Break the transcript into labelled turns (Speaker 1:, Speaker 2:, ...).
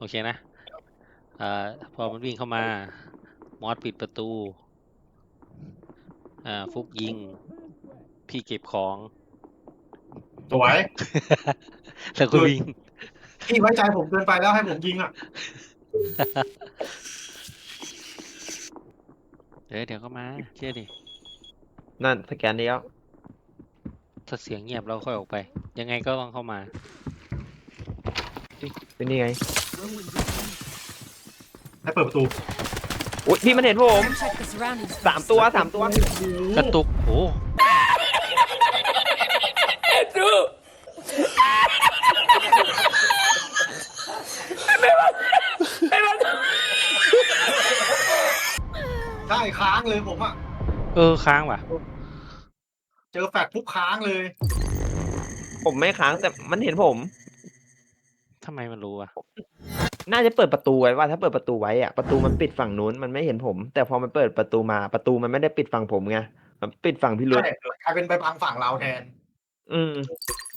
Speaker 1: โอเคนะพอมันวิ่งเข้ามามอสปิดประตูฟุกยิง พี่เก็บของ
Speaker 2: สวย
Speaker 1: แล้วก็วิ่ง
Speaker 2: พี่ไว้ใจผมเกินไปแล้วให้ผมยิงอ่ะ
Speaker 1: เดี๋ยวก็มาเชื่อดิ
Speaker 3: นั่นสแกนนี้แล้ว
Speaker 1: ถ้าเสียงเงียบเราค่อยออกไป ยังไงก็ต้องเข้ามา
Speaker 3: เป็นนี่ไง
Speaker 2: ให้เปิดประตู
Speaker 3: อุ้ยพี่มันเห็นผม
Speaker 4: Check the surroundings
Speaker 3: สามตัวสามตัว
Speaker 1: กระตุกโอ้
Speaker 2: ใช่ค้างเลยผมอ่ะ
Speaker 1: ค้างว่ะ
Speaker 2: เจอแฟดปุ๊บค้างเลย
Speaker 3: ผมไม่ค้างแต่มันเห็นผม
Speaker 1: ทำไมมันรู้อ่ะ
Speaker 3: น่าจะเปิดประตูไว้ว่าถ้าเปิดประตูไว้อะประตูมันปิดฝั่งนู้นมันไม่เห็นผม แต่พอมันเปิดประตูมาประตูมันไม่ได้ปิดฝั่งผมไงมันปิดฝั่งพี่รุ
Speaker 2: ใช่
Speaker 3: ธ
Speaker 2: กลายเป็นไปพังฝั่งเราแทน
Speaker 3: อืม